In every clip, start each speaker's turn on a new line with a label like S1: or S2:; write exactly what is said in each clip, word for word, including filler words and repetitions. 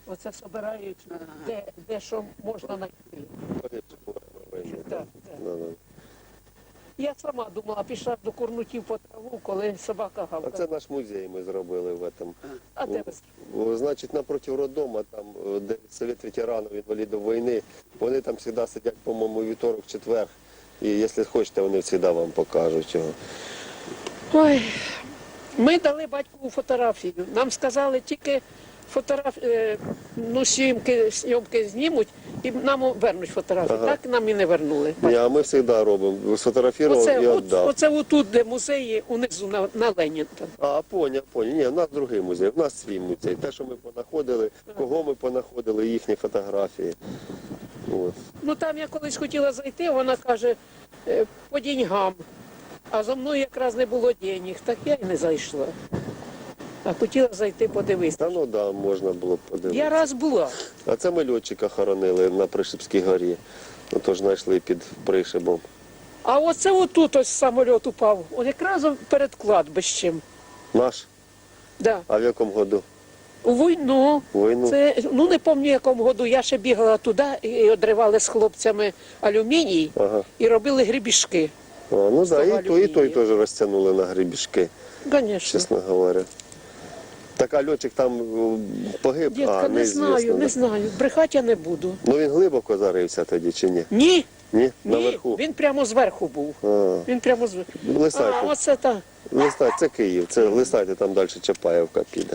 S1: Оце збирають, де, де що можна знайти. Так, так. Я сама думала, пішла до курнутів по траву, коли собака
S2: А
S1: гавкала.
S2: це наш музей ми зробили в этом.
S1: А де ви?
S2: О, Значить, напроти роддома, там, о, де Совет ветеранів, інвалідів війни, вони там завжди сидять, по-моєму, вівторок, четвер. І якщо хочете, вони завжди вам покажуть його.
S1: Ой, ми дали батьку фотографію. Нам сказали, тільки фотограф... е, ну, сімки, зйомки знімуть і нам вернуть фотографію.
S2: Ага.
S1: Так нам і не вернули.
S2: Ні, а ми завжди робимо. Сфотографував
S1: Оце,
S2: і
S1: от,
S2: віддав.
S1: оце отут, де музеї, унизу на, на Леніна.
S2: А, поняв, поняв. Ні, у нас другий музей, у нас свій музей. Те, що ми понаходили, кого ми понаходили, їхні фотографії. От.
S1: Ну там я колись хотіла зайти, вона каже, е, по деньгам. А за мною якраз не було денег, так я й не зайшла. А хотіла зайти подивитися.
S2: Та ну да, можна було б подивитися.
S1: Я раз була.
S2: А це ми льотчика хоронили на Пришибській горі. Ну, тож знайшли під Пришибом.
S1: А оце отут ось самоліт упав. От якраз перед кладбищем.
S2: Наш?
S1: Да.
S2: А в якому году?
S1: У війну.
S2: Війну?
S1: Це, ну не пам'ятаю, в якому году. Я ще бігала туди і одривали з хлопцями алюміній
S2: Ага.
S1: і робили грібішки.
S2: А, ну
S1: З
S2: да,
S1: того
S2: і той, і той
S1: алюмінію.
S2: теж розтягнули на грибішки,
S1: Звісно.
S2: чесно говоря. Так, а льотчик там о, погиб?
S1: Дітка,
S2: а,
S1: не знаю,
S2: неізвісно,
S1: не
S2: да?
S1: знаю. Брехати я не буду.
S2: Ну він глибоко зарився тоді чи ні?
S1: Ні,
S2: Ні?
S1: ні,
S2: Наверху?
S1: він прямо зверху був.
S2: А,
S1: Він прямо зверху. А,
S2: листайте.
S1: оце так.
S2: Листайте, це Київ, це листайте, там далі Чапаєвка піде.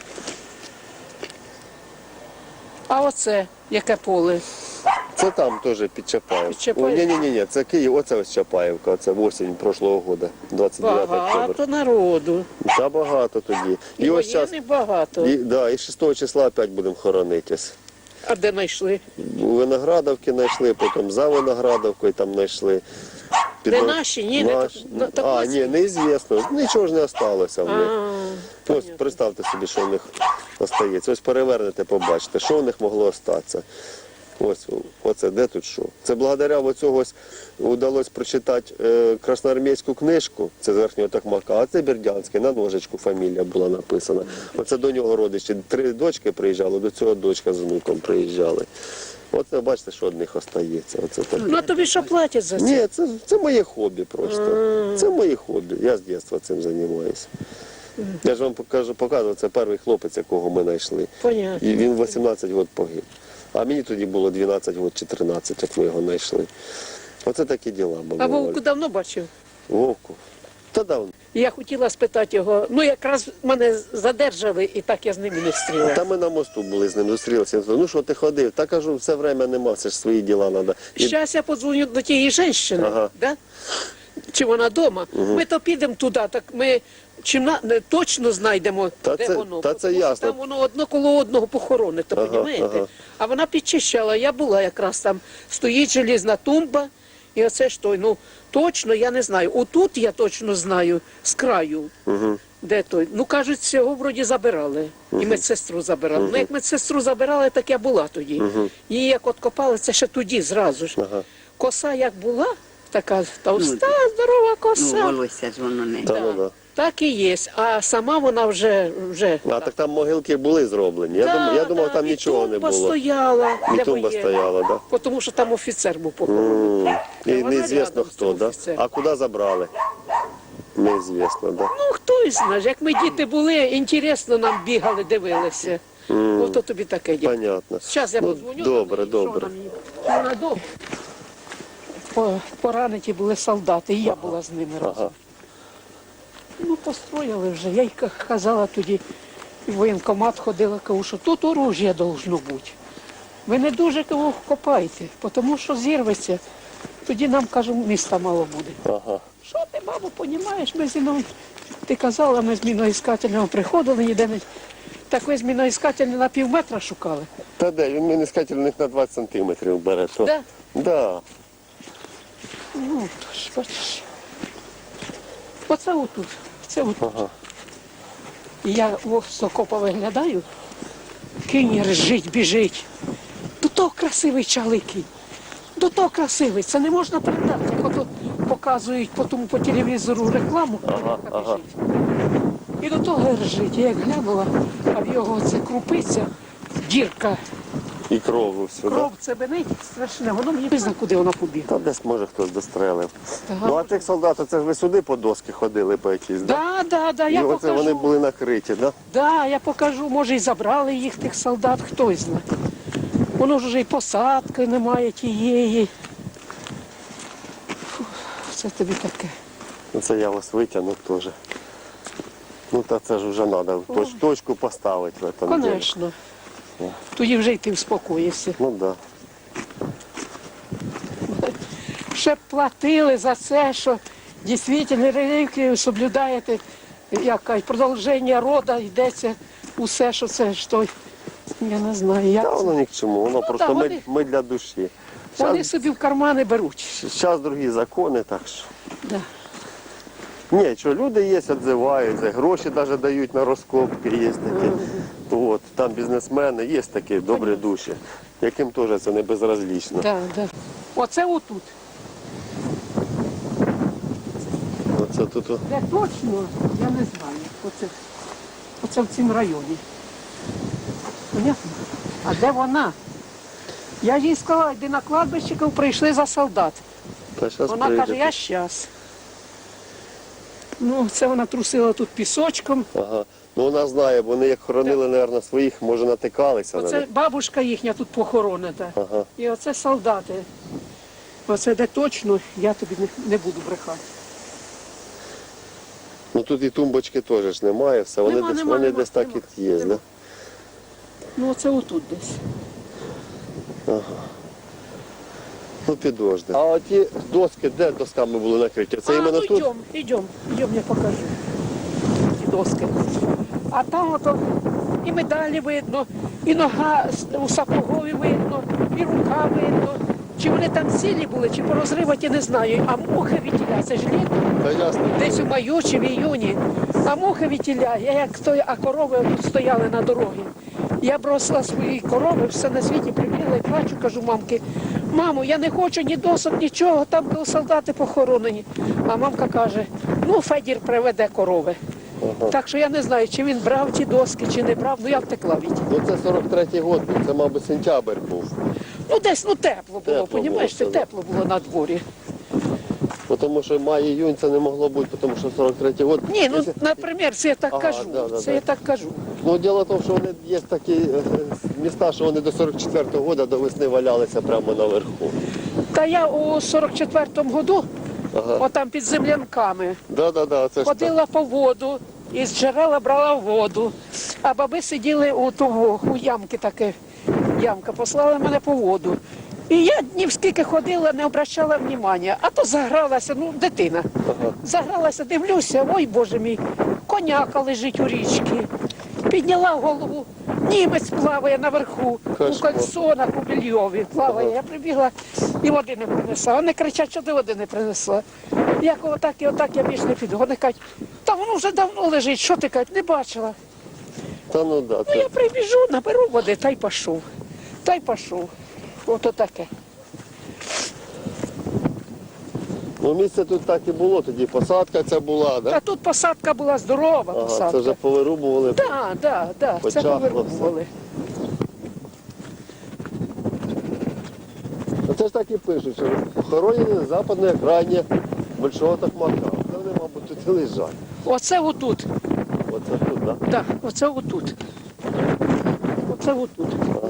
S1: А оце яке поле?
S2: Це там теж під Чапаєв.
S1: Під Чапаєв?
S2: Ні, ні, ні, ні, це Київ, оце ось Чапаєвка, це осінь прошлого року, двадцять дев'яте октября.
S1: Багато народу.
S2: Та багато тоді.
S1: І,
S2: І ось зараз,
S1: воєнних багато.
S2: і, да, і шостого числа опять будемо хоронитись.
S1: А де знайшли?
S2: У Виноградовки знайшли, потім за Виноградовкою там знайшли. Під
S1: Де
S2: на-
S1: наші? Ні, не
S2: Наш...
S1: так- на- так
S2: А,
S1: ось-
S2: ні, неізвісно. Нічого ж не залишилося в них.
S1: А,
S2: Ось представте собі, що в них остається. Ось перевернете, побачите, що в них могло остатися. Ось, оце, де тут що? Це благодаря цього ось вдалося прочитати е, красноармійську книжку, це з Верхнього Токмака, а це Бердянський, на ножичку фамілія була написана. Оце до нього родичі. Три дочки приїжджали, до цього дочка з внуком приїжджали. Оце бачите, що від них остається. Оце так.
S1: ну а тобі що платять за це?
S2: Ні, це, це моє хобі просто. Це моє хобі. Я з дитинства цим займаюся. Я ж вам покажу, показував, це перший хлопець, якого ми знайшли.
S1: Понятно.
S2: І він вісімнадцять років погиб. А мені тоді було дванадцять років чи тринадцять, як ми його знайшли. Оце такі діла були.
S1: А Вовку давно бачив?
S2: Вовку? Та давно.
S1: Я хотіла спитати його, ну якраз мене задержали і так я з ним і не встріла.
S2: Та ми на мосту були з ним, зустрілися. Він сказав, ну що ти ходив? Та кажу, все время нема, це ж свої діла треба. І...
S1: Зараз я подзвоню до тієї жінки,
S2: Ага.
S1: да? Чи вона вдома. Ми то підемо туди, так ми чим на... не точно знайдемо,
S2: Та
S1: де
S2: це-
S1: воно.
S2: та це
S1: Тому що
S2: ясно.
S1: там воно одно коло одного похорони, то
S2: Ага,
S1: розумієте?
S2: ага.
S1: А вона підчищала, я була якраз там, стоїть желізна тумба, і оце ж той, ну точно я не знаю. Отут я точно знаю, з краю.
S2: Угу.
S1: Де той? Ну, кажуть, цього вроді забирали. І медсестру забирали. Ну, як медсестру забирали, так я була тоді. Її як откопали, це ще тоді зразу ж.
S2: Ага.
S1: Коса як була, така товста, здорова коса.
S3: Ну, волосся ж воно не.
S2: Та, ну, да.
S1: Так і є. А сама вона вже... вже
S2: А так там могилки були зроблені. Я,
S1: Да,
S2: думав, я думав,
S1: да,
S2: там
S1: і
S2: нічого не
S1: тумба
S2: було.
S1: стояла.
S2: І
S1: для
S2: тумба
S1: воєнних.
S2: стояла, так. Да?
S1: Тому що там офіцер був похований.
S2: М, І
S1: вона
S2: неізвісно
S1: рядом з
S2: хто,
S1: цим
S2: да?
S1: офіцером.
S2: А куди забрали? Неізвісно, да.
S1: Ну, хто і знає, як ми діти були, інтересно нам бігали, дивилися. Ото тобі таке діло.
S2: Понятно.
S1: Зараз я
S2: Ну,
S1: подзвоню.
S2: добре,
S1: до неї,
S2: добре.
S1: Що вона мені? Чи вона добре? По- Поранені були солдати, і я була з ними разом.
S2: Ага.
S1: Ну, построїли вже. Я й ка- казала тоді, в воєнкомат ходила, кажу, що тут оружие должно бути. Ви не дуже кого копайте, тому що зірветься. Тоді нам, кажу, міста мало буде.
S2: Ага.
S1: Що ти, бабу, понімаєш? Ми з міною... Ти казала, ми з міноіскателем приходили, ніде не... Так ви з міноіскателем на пів метра шукали?
S2: Та де, він мене скательник на двадцять сантиметрів бере. То...
S1: Да?
S2: Да.
S1: Ну, то ж, бачиш. Оце отут. Це отут.
S2: Ага.
S1: І я в окопа виглядаю, кінь ржить, біжить. До того красивий чаликий. До того красивий. Це не можна передати. Як ото показують по тому по телевізору рекламу,
S2: Ага,
S1: яка
S2: ага.
S1: біжить. І до того ржить. Я як глянула, а в його це крупиця дірка.
S2: І кров все, да?
S1: Кров це бенить страшне, воно мені не знаю, куди вона побігла.
S2: Та десь може хтось дострелив.
S1: Ага.
S2: Ну а тих солдат, це ж ви сюди по доски ходили по якісь, да?
S1: Да, да, да, я
S2: І оце
S1: покажу.
S2: вони були накриті, да?
S1: Да, я покажу, може і забрали їх тих солдат, хто знає. Воно ж вже і посадки немає тієї. Фу, це тобі таке.
S2: Ну, це я вас витягнув теж. Ну та це ж вже треба точ, точку поставити в цьому ділі.
S1: Звісно. Тоді вже й ти вспокоївся.
S2: Ну так. Да.
S1: Ще б платили за це, що дійсно релігію соблюдаєте, як кажуть, продовження роду йдеться, усе, що це ж той. Я не знаю, як
S2: Та
S1: це.
S2: воно ні к чому, воно просто
S1: та
S2: ми,
S1: вони-
S2: ми для душі.
S1: Вони собі в кармани беруть.
S2: Зараз другі закони, так що.
S1: Да.
S2: Ні, що люди є, відзиваються, гроші навіть дають на розкопки, є такі. От, там бізнесмени, є такі добрі душі, яким теж це не безразлічно.
S1: Да, да. Оце отут.
S2: Оце тут. о-
S1: Де точно, я не знаю. Оце, оце в цьому районі. Понятно? А де вона? Я ж їй сказала, йди на кладбищиків, прийшли за солдат.
S2: Та щас
S1: Вона каже,
S2: прийде.
S1: я щас. Ну, це вона трусила тут пісочком.
S2: Ага. Ну вона знає, бо вони як хоронили, мабуть, своїх, може натикалися на
S1: Оце
S2: них.
S1: бабушка їхня тут похоронена.
S2: Ага.
S1: І оце солдати. Оце де точно, я тобі не, не буду брехати.
S2: Ну тут і тумбочки теж ж немає, все. Вони
S1: Нема,
S2: десь,
S1: нема,
S2: вони
S1: нема,
S2: десь так
S1: нема,
S2: і є,
S1: нема.
S2: да?
S1: Ну, оце отут десь.
S2: Ну підожди. А оті доски, де досками були накриті? Це
S1: а,
S2: іменно
S1: ну
S2: тут?
S1: йдем, йдем, йдем, я покажу. Ті доски. А там ото і медалі видно, і нога с- у сапогові видно, і рука видно. Чи вони там цілі були, чи порозриваті, не знаю. А мухи вітіля, це ж літо,
S2: Та ясно.
S1: десь у маю чи в іюні. А мухи вітіля, я як той, а корови тут стояли на дорогі. Я бросила свої корови, все на світі прибігла і плачу, кажу мамки, мамо, я не хочу ні досок, нічого, там коли солдати похоронені. А мамка каже, ну Федір приведе корови.
S2: Ага.
S1: Так що я не знаю, чи він брав ті доски, чи не брав, ну я втекла від.
S2: Ну це сорок третій год, був, це, мабуть, сентябрь був.
S1: Ну десь ну тепло було,
S2: Тепло
S1: понімаєш, це
S2: було, так.
S1: тепло було на дворі.
S2: Бо Тому що май-іюнь це не могло бути, тому що сорок третій год.
S1: Ні, ну,
S2: Якщо-
S1: наприклад, це я так
S2: Ага,
S1: кажу,
S2: да, да,
S1: це
S2: да.
S1: я так кажу.
S2: Ну, діло в тому, що вони є такі е, міста, що вони до сорок четвертого року до весни валялися прямо наверху.
S1: Та я у сорок четвертому году,
S2: Ага.
S1: отам під землянками,
S2: Да, да, да, це ж так.
S1: ходила по воду, із джерела брала воду, а баби сиділи у того, у ямки таке, ямка, послали мене по воду. І я днів скільки ходила, не обращала внимання, а то загралася, ну, дитина.
S2: Ага.
S1: Загралася, дивлюся, ой, Боже мій, коняка лежить у річці. Підняла голову, німець плаває наверху, у
S2: Кошмар.
S1: кальсонах, у бельйові плаває. Я прибігла і води не принесла. Вони кричать, що ти води не принесла. Як отак і отак я більш не піду. Вони кажуть, та воно вже давно лежить, що ти кажуть, не бачила.
S2: Та ну да,
S1: Ну
S2: це.
S1: я прибіжу, наберу води, та й пішов. Та й пішов. Ото таке.
S2: Ну місце тут так і було, тоді посадка ця була, да?
S1: А тут посадка була здорова,
S2: Ага,
S1: посадка.
S2: це вже повирубували.
S1: Так, так, так, це
S2: Почахло
S1: повирубували.
S2: А це ж так і пишуть, що похоронені на западне крайнє Большого Токмака. Це вони, мабуть, тут і лежать.
S1: Оце отут.
S2: Оце тут, так? Да?
S1: Так, оце отут. Оце отут.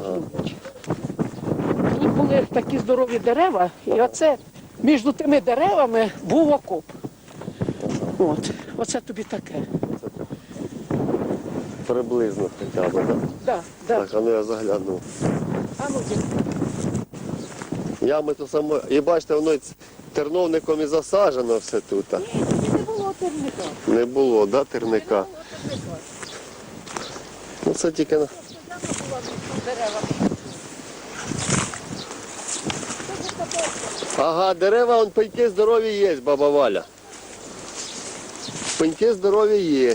S1: Тут були такі здорові дерева, і оце між тими деревами був окоп. От, оце тобі таке.
S2: Це так. Приблизно хоча б, так? Да?
S1: Да, да.
S2: Так, а ну я заглянув.
S1: А ну, дід.
S2: Ями то саме. І бачите, воно ц- терновником і засаджено все тут.
S1: Ні, тоді не було терника.
S2: Не було, да, терника? Ну це тільки на. Ага, дерева, вон пеньки здорові є, баба Валя. Пеньки здорові є.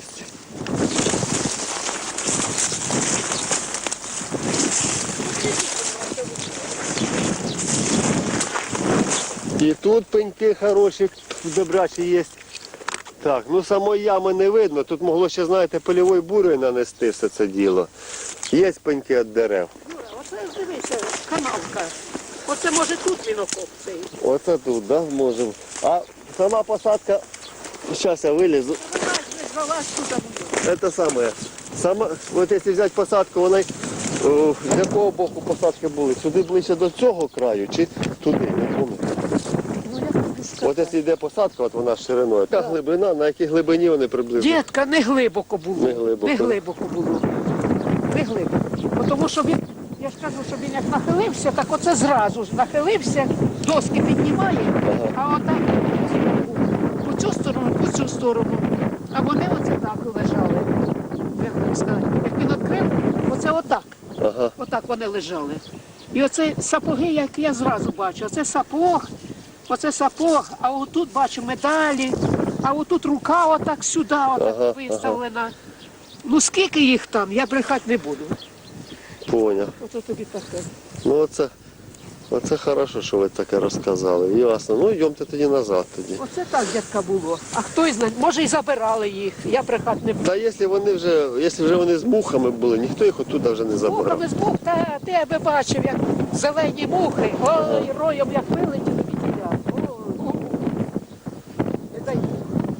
S2: І тут пеньки хороші, добрячі є. Так, ну самої ями не видно. Тут могло ще, знаєте, польовою бурою нанести все це діло. Є пеньки від дерев.
S1: Оце дивися, канавка. Оце може тут він окоп цей.
S2: Оце тут, да, можемо. А сама посадка, зараз я вилізу.
S1: Вилазь, не залазь туди буде.
S2: Це саме. Сама, от якщо взяти посадку, вона о, з якого боку посадки були? Сюди ближче до цього краю чи туди? Не пам'ятаю.
S1: Ну як тобі сказати?
S2: От якщо йде посадка, от вона шириною. Яка глибина, на якій глибині вони приблизно?
S1: Дітка, не глибоко було.
S2: Не глибоко.
S1: Не глибоко було. Не глибоко. Бо Тому що він, я ж кажу, що він як нахилився, так оце зразу ж нахилився, доски піднімає, а отак по цю сторону, по цю сторону. А вони оце так лежали. Як тобі сказати? Як він відкрив, оце отак.
S2: Ага.
S1: Отак вони лежали. І оце сапоги, як я зразу бачу, оце сапог, оце сапог, а отут бачу медалі, а отут рука отак сюди отак
S2: Ага,
S1: виставлена. Ну скільки їх там, я брехати не буду.
S2: Поняв.
S1: Ото тобі таке.
S2: Ну оце, оце хорошо, що ви таке розказали. Ясно. Ну йдемте тоді назад тоді.
S1: Оце так, дядька, було. А хто знає, може і забирали їх, я брехати не буду.
S2: Та якщо вони вже, якщо вже вони з мухами були, ніхто їх оттуда вже не забрав.
S1: Мухами з мух, та ти би бачив, як зелені мухи, ой, роєм як вилетіли від тіля. Ой, не дай Бог.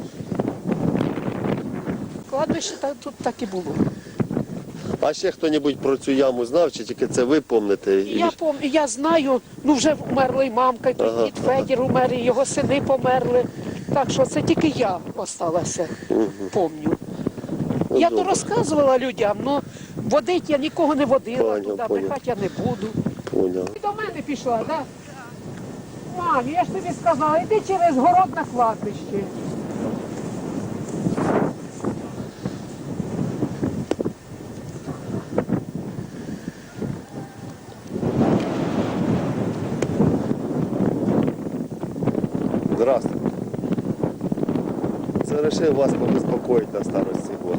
S1: Кладбище та- тут так і було.
S2: А ще хто-небудь про цю яму знав, чи тільки це ви помните?
S1: І Я пом... я знаю, ну вже вмерла і мамка, і той
S2: Ага,
S1: дід Федір умер, і його сини померли. Так що це тільки я осталася, помню.
S2: Ну,
S1: Я то
S2: добре.
S1: розказувала людям, але водити я нікого не водила
S2: Поняв,
S1: туди,
S2: поняв.
S1: брехати я не буду.
S2: Поняв.
S1: Ти до мене пішла, так? Да? Мам, я ж тобі сказала, йди через город на кладбище.
S2: Здравствуйте. Це вирішив вас побезпокоїти на старості год.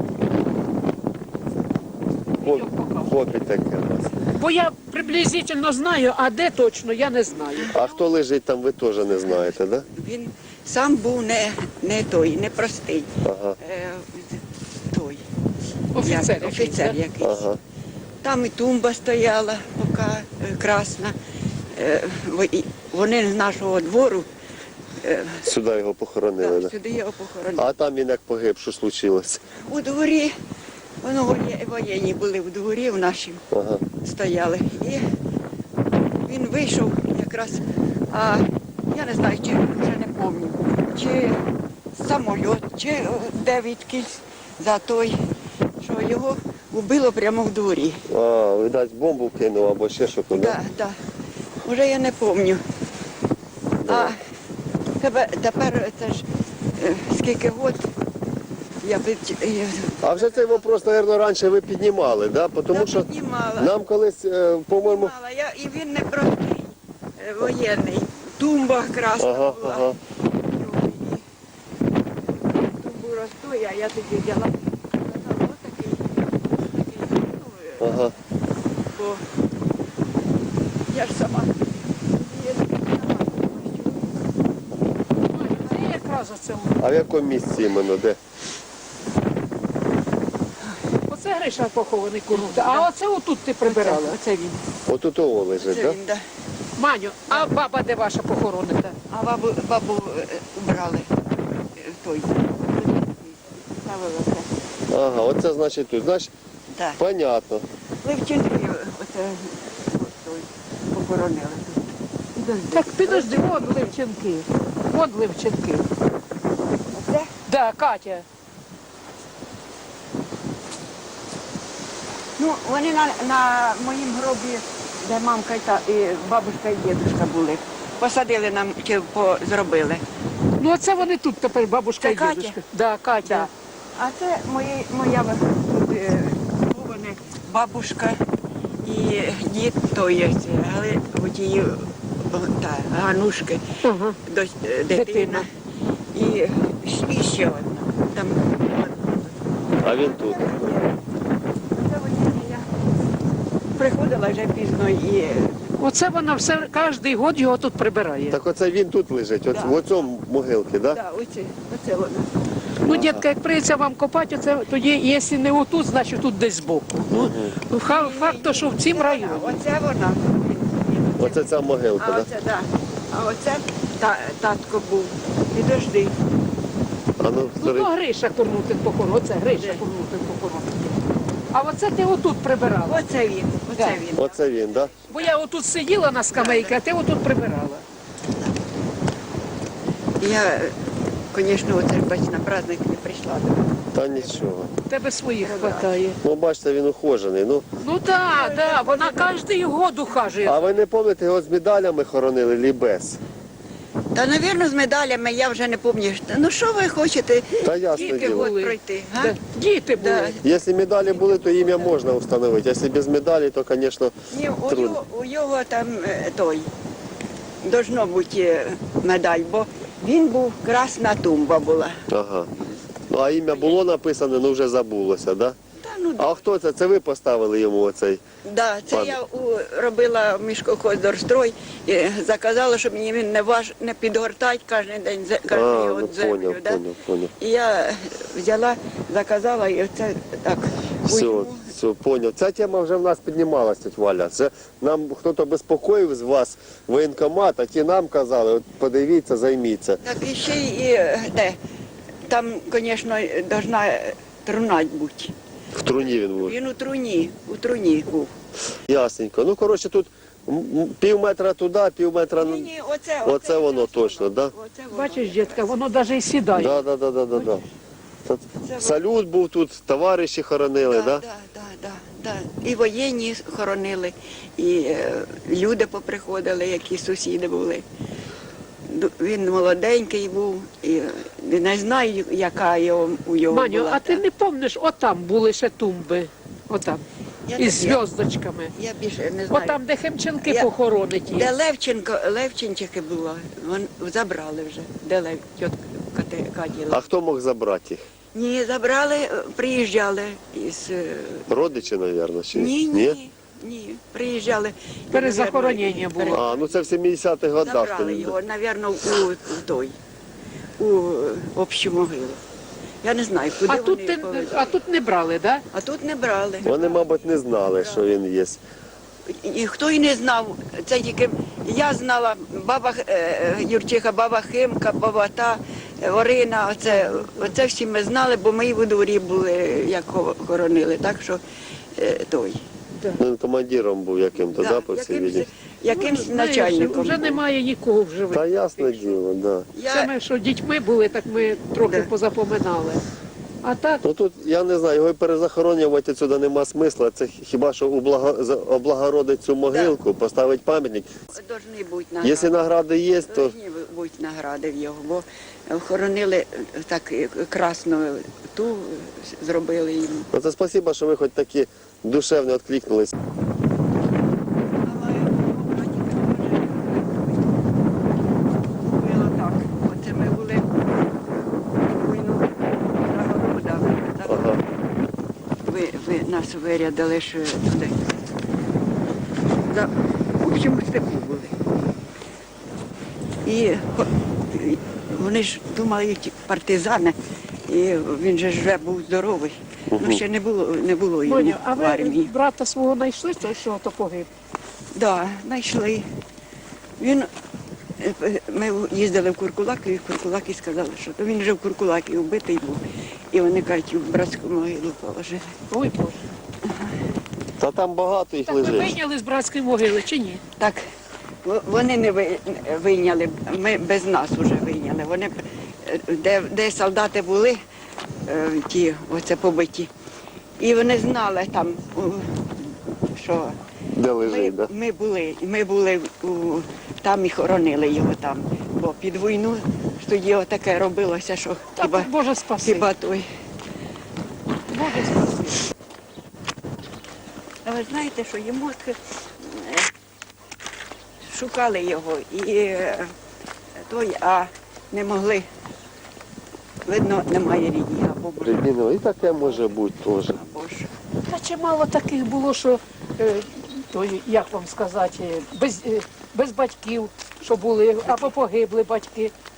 S1: Йдемо покажу.
S2: Хобі таке у вас.
S1: Бо я приблизительно знаю, а де точно, я не знаю.
S2: А хто лежить там, ви теж не знаєте, да?
S3: Він сам був не, не той, не простий.
S2: Ага.
S3: Е, той.
S1: Офіцер
S3: як,
S1: якийсь,
S3: офіцер
S1: да?
S3: якийсь.
S2: Ага.
S3: Там і тумба стояла, поки е, красна. Е, во- і вони з нашого двору е,
S2: Сюди його похоронили,
S3: да,
S2: да?
S3: сюди його похоронили.
S2: А там він як погиб, що случилось?
S3: У дворі, воно воє- воєнні були в дворі в нашім,
S2: Ага.
S3: стояли. І він вийшов якраз, а я не знаю, чи вже не пам'ятаю, чи самоліт, чи е, де відкись за той, що його вбило прямо в дворі.
S2: А, видать, бомбу кинув або ще що туди.
S3: Так, так. Уже я не пам'ятаю. А тебе, тепер це ж е, скільки год я під- е,
S2: А вже цей вопрос, мабуть, раніше ви піднімали, да? Тому
S3: я
S2: що
S3: піднімала.
S2: нам колись, е, по-моєму,
S3: Піднімала. Я, і він не простий е, воєнний. Тумба красна
S2: ага,
S3: була.
S2: ага.
S3: Тумбу розтою, а я тоді взяла. Казала, отакий, отакий, ну, е,
S2: Ага.
S3: бо я ж сама. Я ж сама.
S1: Це якраз оце.
S2: А в якому місці іменно, де?
S1: Оце Гриша похований курнути. А оце отут ти прибирала.
S3: Оце він.
S2: Отут того лежить,
S3: Це
S2: так?
S3: він, да.
S1: Маню, а баба де ваша похоронена?
S3: А бабу, бабу е, убрали е, в той. Ставили це.
S2: Ага, оце значить тут. Значить,
S3: Так.
S2: понятно.
S3: Левченки оце от той, похоронили. Підожди.
S1: Так підожди, вон Левченки. Вон Левченки.
S3: Оце?
S1: Да, Катя.
S3: Ну, вони на, на моїм гробі, де мамка і, та, і бабушка і дідусь були. Посадили нам, чи по, зробили.
S1: Ну оце вони тут тепер, бабушка
S3: Це
S1: і
S3: Катя?
S1: дідусь. Да, Катя.
S3: Да. А це мої, моя е, вони, бабушка і дід той є, але от її о, та, Ганушки,
S1: Ага.
S3: дось- е, дитина. І, і ще одна. Там,
S2: А він тут.
S3: Це воєнні, я приходила вже пізно і
S1: Оце вона все, кожен год його тут прибирає.
S2: Так оце він тут лежить, оце,
S3: Да.
S2: в оцьому могилці, так? Да?
S3: да, оце, оце вона.
S1: Ну, дітка, як прийдеться вам копати, оце тоді, якщо не отут, значить тут десь збоку. Ну, ха- факт, то, що в цім районі.
S3: Оце вона.
S2: Оце ця могилка,
S3: А
S2: так?
S3: оце, да. А оце та, татко був. Підожди.
S2: А ну,
S1: Ну,
S2: стори-
S1: то Гриша Корнутин похорон, оце Гриша Корнутин похорон. А оце ти отут прибирала.
S3: Оце він. Оце він.
S2: Оце він, так?
S1: Бо я отут сиділа на скамейці, а ти отут прибирала.
S3: Я, звісно, оце бач, на праздник не прийшла.
S2: Та нічого.
S1: Тебе своїх хватає.
S2: Ну, бачите, він ухожений. Ну,
S1: Ну так, да, вона кожен год ухажує.
S2: а ви не пам'ятаєте, його з медалями хоронили, лі без?
S3: Та, мабуть, з медалями я вже не пам'ятаю. Ну, що ви хочете?
S2: Та ясно
S3: Тільки
S2: діло.
S3: от пройти. га?
S1: Да. Діти були.
S3: Да.
S2: Якщо медалі були, то ім'я можна встановити. Якщо без медалі, то, звісно,
S3: Ні, у,
S2: трудно.
S3: його, у його там е, той, должно бути е, медаль, бо він був, красна тумба була.
S2: Ага. Ну, а ім'я було написане, ну вже забулося, так? Да?
S3: Та, ну,
S2: А хто це? Це ви поставили йому оцей?
S3: да, це
S2: Пан-
S3: я у, робила мішкохоздорстрой, і заказала, щоб мені він не, важ, не підгортати кожен день зе-
S2: А,
S3: кожен
S2: ну
S3: от землю.
S2: поняв,
S3: Да?
S2: поняв, поняв.
S3: І я взяла, заказала, і це так.
S2: Все,
S3: уйму.
S2: все, поняв. Ця тема вже в нас піднімалася, тетя Валя. Це нам хтось безпокоїв з вас, воєнкомат, а ті нам казали, от подивіться, займіться.
S3: Так і ще й е, де. Там, звісно, должна труна бути.
S2: В труні він був.
S3: Він у труні, у труні був.
S2: Ясненько. Ну, коротше, тут м- м- пів метра туди, пів метра...
S3: Ні,
S2: на-
S3: ні, оце,
S2: Оце воно точно, да?
S3: Оце воно.
S1: Бачиш, дітка, воно навіть і сідає.
S2: Да, да, да, да, да, да. Та-
S3: Це
S2: Салют був тут, товариші хоронили,
S3: Да,
S2: да?
S3: да, да, да, да. І воєнні хоронили, і е, люди поприходили, які сусіди були. Ду- Він молоденький був, і е, не знаю, яка його, у його
S1: Маню,
S3: була.
S1: а ти
S3: та.
S1: не пам'ятаєш, отам були ще тумби. Отам.
S3: Я
S1: Із
S3: не- я-
S1: зв'язочками.
S3: Я більше не знаю.
S1: Отам, де Хемченки
S3: Я-
S1: похоронить їх.
S3: Де Левченко, Левченчики було, вон забрали вже. Де Лев, тітка Кати- Каті.
S2: А хто мог забрати їх?
S3: Ні, забрали, е, приїжджали із. е,
S2: Родичі, мабуть, чи
S3: Ні, ні, ні, приїжджали.
S1: Перезахоронення
S3: Навірно,
S1: було.
S3: пере-
S2: А, ну це в сімдесятих годах.
S3: Забрали
S2: тоді.
S3: його, напевно, у, у той, у е, общу могилу. Я не знаю, куди
S1: А
S3: вони
S1: тут, ти,
S3: повезли.
S1: а тут не брали, так?
S3: А тут не брали.
S2: Вони, мабуть, не знали, що він є.
S3: І ніхто й не знав. Це тільки я знала, баба Х- е, Юрчиха, баба Химка, баба та, е, Орина. Оце, оце всі ми знали, бо ми і в дворі були, як хо- хоронили. Так що е, той.
S2: Він командиром був яким-то, да, по всій
S3: якимсь,
S2: війні?
S3: якимсь
S1: Ну,
S3: начальником.
S1: Вже
S3: був.
S1: немає нікого в живих.
S2: Та ясне діло, да.
S3: Я,
S1: Це ми, що дітьми були, так ми трохи
S3: Да.
S1: позапоминали. А так,
S2: Ну тут, я не знаю, його і перезахоронювати сюди нема смисла. Це хіба що ублаго- за- облагородить цю могилку, поставити пам'ятник.
S3: Должны бути награди.
S2: Якщо награди є, то
S3: Должні бути награди в його, бо хоронили так е, красну ту зробили їм.
S2: ну, це спасибо, що ви хоч такі душевно відкликнулись.
S3: Було так. Оце ми були війну загорода.
S2: Ага.
S3: Ви, ви нас вирядили ще туди. За, в общем, в степу були. І хо- і вони ж думали, ті партизани, і він же ж вже був здоровий. Ну, ще не було, не було йому
S1: Моню, а
S3: в
S1: ви
S3: армії.
S1: брата свого знайшли, той, що то погиб?
S3: Да, знайшли. Він, е, ми їздили в Куркулак, і в Куркулакі сказали, що то він вже в Куркулакі вбитий був. І вони кажуть, в братську могилу положили.
S1: Ой, Боже.
S2: Та там багато їх
S1: Так ви
S2: лежить.
S1: вийняли з братської могили чи ні?
S3: Так, в- вони не ви- не вийняли, ми без нас вже вийняли. Вони, е, де, де солдати були, е, ті, оце побиті, і вони знали там, у, що
S2: Де
S3: ми,
S2: лежить, да?
S3: ми були, ми були у, там і хоронили його там. Бо під війну ж тоді отаке робилося, що
S1: Так,
S3: хіба,
S1: Боже спаси.
S3: хіба той.
S1: Боже спаси.
S3: А ви знаєте, що йому е, шукали його і е, той, а не могли. Видно, немає рідні, або Боже,
S2: Придіно. І таке може бути теж.
S3: або ж.
S1: Та чимало таких було, що, е, той, як вам сказати, е, без, е, без батьків, що були, або погибли батьки.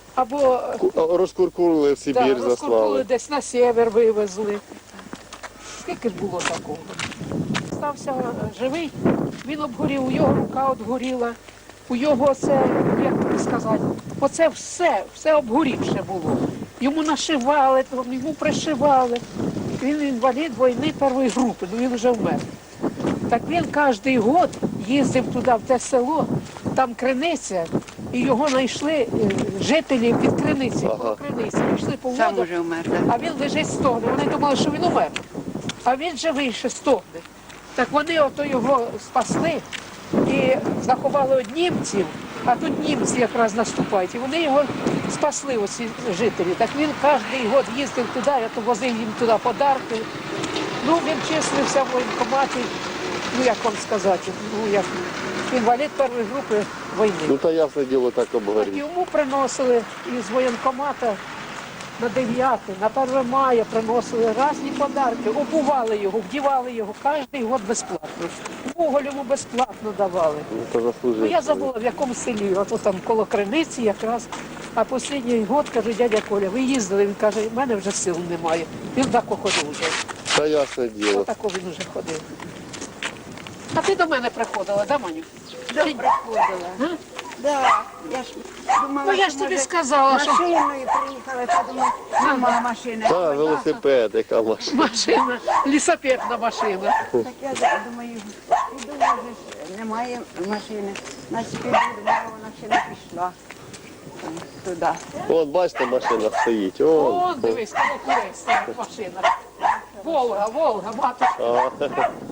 S1: або
S2: Ку- Розкуркулили в
S1: да,
S2: Сибір,
S1: розкуркули,
S2: заслали.
S1: десь на север вивезли. Скільки ж було такого? Стався е, живий, він обгорів, у його рука обгоріла, у його це, як тобі сказати, оце все, все обгорівше було. Йому нашивали, там, йому пришивали. Він інвалід війни першої групи, ну він вже вмер. Так він кожен год їздив туди, в те село, там криниця, і його знайшли е, жителі під криниці,
S2: Ага.
S1: по криниці, пішли по
S3: Сам
S1: воду,
S3: уже вмер, так.
S1: а він лежить стогне. Вони думали, що він умер. А він живий ще стогне. Так вони ото його спасли і заховали від німців, а тут німці якраз наступають. І вони його спасли, оці жителі. Так він кожен год їздив туди, я то возив їм туди подарки. Ну, він числився в воєнкоматі, ну як вам сказати, ну як інвалід першої групи війни.
S2: Ну та ясне діло так
S1: Так
S2: обгорів.
S1: йому приносили із воєнкомата на дев'яте, на перше мая приносили різні подарки, обували його, вдівали його кожен год безплатно. Уголь йому безплатно давали.
S2: Ну, то заслужив.
S1: Ну я забула в якому селі, ото там коло Криниці якраз. А останній год, каже, дядя Коля, ви їздили, він каже, в мене вже сил немає. Він так ходив вже.
S2: Та ясне діло.
S1: Отако він вже ходив. А ти до мене приходила, да, Маню?
S3: Да, приходила.
S1: А?
S3: Да, я ж думала,
S1: Ну я
S3: що,
S1: ж тобі
S3: може,
S1: сказала, що
S3: машиною приїхали, то думаю, нема машини.
S2: Та, велосипед, яка машина.
S1: машина, лісопедна машина.
S3: Так я думаю, піду, може, ж немає машини. Значить, піду, думаю, вона ще не пішла там, туди.
S2: От бачите, машина стоїть. О,
S1: О, дивись, коло курей стоїть машина. Волга, Волга, матушка.
S2: а,